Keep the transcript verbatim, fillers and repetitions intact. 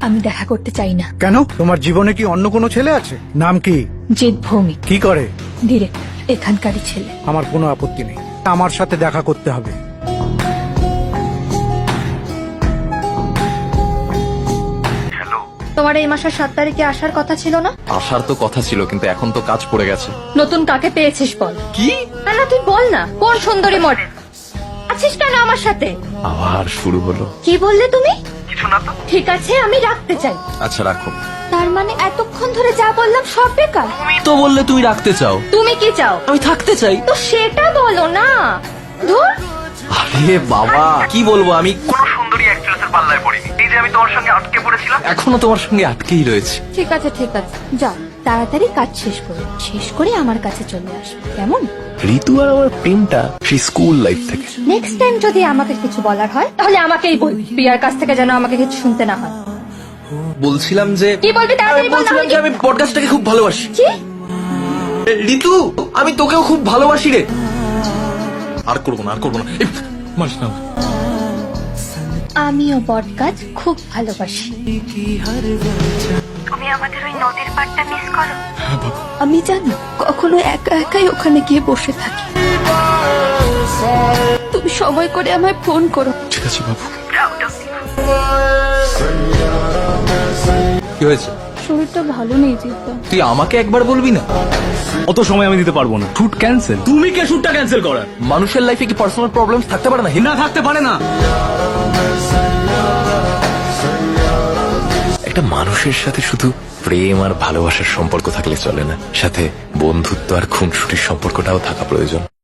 আমি দেখা করতে চাই না। কেন? তোমার জীবনে কি অন্য কোনো ছেলে আছে? নাম কি? জিৎ ভৌমিক, কি করে? ডিরেক্টর, এখানকারই ছেলে। আমার কোনো আপত্তি নেই, আমার সাথে দেখা করতে হবে। তোমার এই মাসের সাত তারিখে আসার কথা ছিল না? আসার তো কথা ছিল, কিন্তু এখন তো কাজ পড়ে গেছে। নতুন কাকে পেয়েছিস বল। কি? না না, তুই বল না, কোন সুন্দরী মডেল আছিস কেন আমার সাথে? আবার শুরু হলো। কি বললে তুমি? কিছু না তো। ঠিক আছে, আমি রাখতে চাই। আচ্ছা রাখো। তার মানে এতক্ষণ ধরে যা বললাম সব বেকার? তো বললে তুমি রাখতে চাও। তুমি কি চাও? আমি থাকতে চাই। তো সেটা বলো না। ধুর। আরে বাবা, কি বলবো আমি? কোনো সুন্দরী অ্যাক্ট্রেসের পাল্লায় পড়িনি। এই যে আমি তোমার সঙ্গে আটকে পড়েছিলাম। এখনো তোমার সঙ্গে আটকেই রয়েছে। ঠিক আছে ঠিক আছে, যা তাড়াতাড়ি কাজ শেষ করে শেষ করে আমার কাছে চলে আসবে, কেমন? ঋতু আর আমার প্রেমটা সেই স্কুল লাইফ থেকে। নেক্সট টাইম যদি আমাকে কিছু বলার হয় তাহলে আমাকেই বলবি, প্রিয়ার কাছ থেকে যেন আমাকে কিছু শুনতে না হয়। বলছিলাম যে কি বলবি তাড়াতাড়ি বল, বলছিলাম যে আমি পডকাস্টটাকে খুব ভালোবাসি। কি? ঋতু, আমি তোকেও খুব ভালোবাসি রে। আর করবো না, আর করবো না। এই, মারিস না। আমিও বটগাছ খুব ভালোবাসি। তুমি আমাদের ওই নদীর পাড়টা মিস করো? আমি জানি কখনো একা একাই ওখানে গিয়ে বসে থাকি। তুমি সময় করে আমায় ফোন করো। ঠিক আছে বাবু। Proud of you. কি হয়েছে? শরীরটা ভালো নেই জিদ্দা। তুই আমাকে একবার বলবি না? অত সময় আমি দিতে পারবো না, শুট ক্যান্সেল। তুমি কে শুটটা ক্যান্সেল করার? মানুষের লাইফে কি পার্সোনাল প্রবলেমস থাকতে পারে না? না থাকতে পারে না। একটা মানুষের সাথে শুধু প্রেম আর ভালোবাসার সম্পর্ক থাকলে চলে না, সাথে বন্ধুত্ব আর খুনসুটির সম্পর্কটাও থাকা প্রয়োজন।